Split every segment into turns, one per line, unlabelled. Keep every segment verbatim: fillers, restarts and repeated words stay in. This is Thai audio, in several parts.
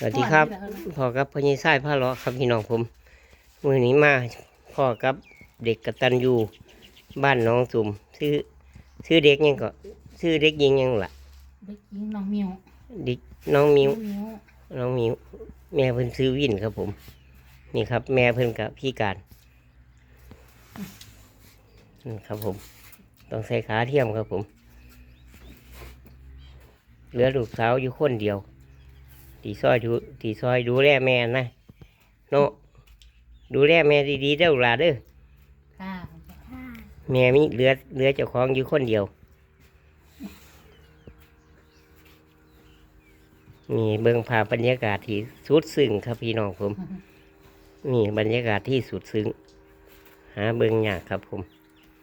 สวัสดีครับพ่อกับพ่อยี่ไส้ผ้าเลาะครับพี่น้องผมมือนี้มาพ่อกับเด็กกตัญญูบ้านน้องสุ่มชื่อชื่อเด็กยังก็ชื่อเด็กยิงยังล่ะ
เด็กหญิงน้องมิว
เด็กน้องมิว
มิว
น้องมิวแม่เพิ่นซื้อวินครับผมนี่ครับ แม่เพิ่นกับพี่การนี่ครับผมต้องใส่ขาเทียมครับผมเหลือลูกสาวอยู่คนเดียวตีซอยดูตีซอยดูแลแม่นะโนดูแลแม่ดีๆเด้อหลานเด้อ
ค่ะ
แม่มีเหลือเหลือเจ้าของอยู่คนเดียวมีเบื้องภาพบรรยากาศที่สุดซึ้งครับพี่น้องผมนี่บรรยากาศที่สุดซึ้งหาเบื้องยากครับผม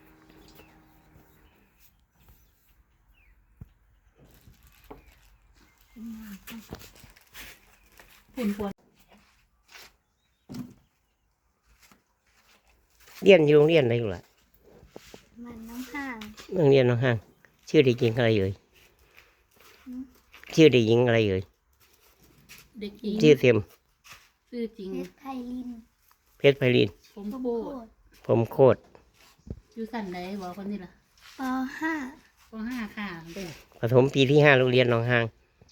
ปุ่นปวน
เรียนอยู่โรงเรียนอะไรอยู่ล่ะ
มันน้องห่าง
โรงเรียนน้องห้างชื่อเด็กหญิงอะไรเอ่ยชื่อเด็กหญิงอะไรเอ่ย
เด็กหญิง
ชื่อเต็ม
ชื่อจริง
เพชรไพลิน
เพชรไพลิน
ผมโบ
โคตร
ผมโคตร
อยู่สันไหนบอกคนนี้ล่ะ
ปห้า
ปห้าค่ะเด็ก
ปฐมปีที่ห้าโรงเรียนน้องห้าง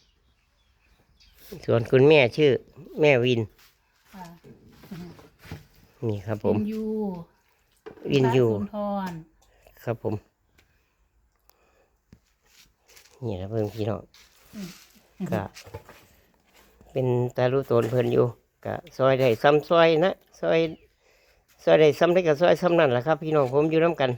ส่วนคุณแม่ชื่อ แม่วิน
ค่ะ
นี่ครับผม
วินยู
วินยู
สุนทร
ครับผมนี่นะเพื่อนพี่น้องก็เป็นตาลูตนเพื่อนอยู่ก็ซอยได้ซ้ำซอยนะซอยซอยได้ซ้ำได้กับซอยซ้ำนั่นแหละครับพี่น้องผมอยู่น้ำกัน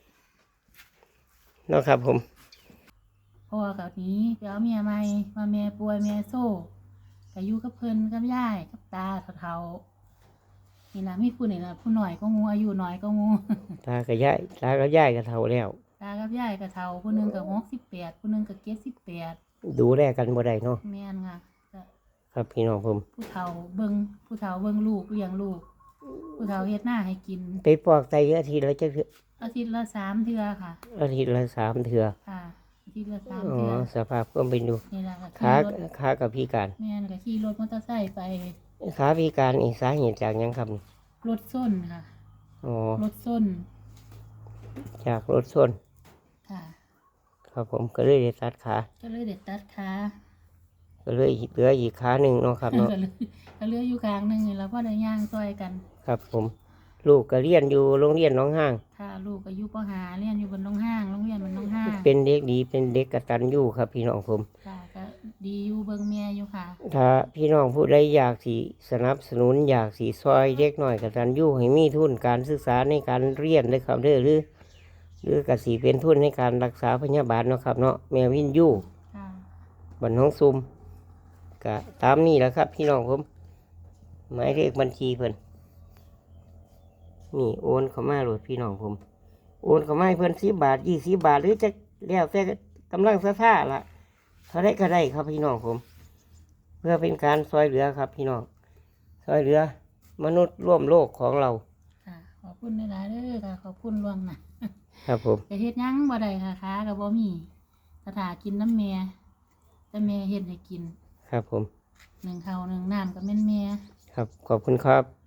เนาะครับผม
พ่อกับนี้เดี๋ยวเมียใหม่มาเมียป่วยเมียโซ่ก็อยู่กับเพิ่นกับยายกับตาเฒ่าๆนี่นะมีผู้นี่นะผู้หน่อยก็งูอายุน้อยก็งู
ตากับยายตากับยายก็เท่าแล้ว
ตากับยายกับเฒ่าผู้หนึงกับหกสิบแปดผู้หนึงกับเจ็ดสิบแปด
ดูแลกันบ่ได้เนาะ
แม่นค่ะก็
ครับพี่น้องผม
ผู้เฒ่าเบิ่งผู้เฒ่าเบิ่งลูกเลี้ยงลูกผู้เฒ่าเฮ็ดหน้าให้กิน
ไปปอกไตอาทิตย์ละจะเทื่อ
อาทิตย์ละสามเทื่อค่ะ
อาทิตย์ละสามเถื่อ
ค่ะอาทิตย์ละสาม
อ๋อ
เทื่อ
สภาพก็เป็นดู
นี่แหละค่ะ
ขา
ขี่รถ
ขากับพี่การ
แม่นก็ขี่รถมอเตอร์ไซค์ไป
ขาพี่การอีกสาเหตุจากหยังครับ
รถส้นค่ะ
อ๋อ
รถส้น
จากรถส้น
ค่ะ
ครับผมก็เลยได้ตัดขา
ก็เลยเด็ดตัดขา
ก็เลยเหลืออีกขาหนึ่งเนาะครับเนาะ
ก็เลยก็เหลืออยู่กลางหนึงนี่แล้วก็ได้ย่างซอยกัน
ครับผมลูกก็เรียนอยู่โรงเรียนน้องห้าง
ค่ะลูกก็อยู่ปหาเรียนอยู่บนน้องห้างโรงเรียนบนน้องห้าง
เป็นเด็กดีเป็นเด็กกตัญญูครับพี่น้องผม
ค่ะก็ดีอยู่เบิ่งเมียอยู่ค่ะ
ถ้าพี่น้องผู้ใดอยากสีสนับสนุนอยากสีซอยเด็กหน่อยกตัญญูให้มีทุนการศึกษาในการเรียนเลยครับเด้อหรือหรือกสีเป็นทุนในการรักษาพยาบาลเนาะครับเนาะแม่วินยู
ค่ะ
บันน้องซุมก็ตามนี้แหละครับ พี่น้องผมหมายเลขบัญชีเพิ่นนี่โอนเข้ามาโหลดพี่น้องผมโอนเข้ามาให้เพิ่นสิบบาทยี่สิบบาทหรือจะแล้วแต่กำลังศรัทธาละเท่าได้ก็ได้ครับพี่น้องผม เพื่อเป็นการซอยเหลือครับ พี่น้องซอยเหลือมนุษย์ร่วมโลกของเรา
ค่ะขอบคุณหลายๆเด้อค่ะขอบคุณล่วงหน้า
ครับผม
แต่เฮ็ดหยังบ่ได้ค่ะค้าก็บ่มีสถากินน้ำแม่แต่แม่เฮ็ดให้กิน
ครับผม
หนึ่งข้าวหนึ่งน้ำก็แม่นแม่
ครับขอบคุณครับ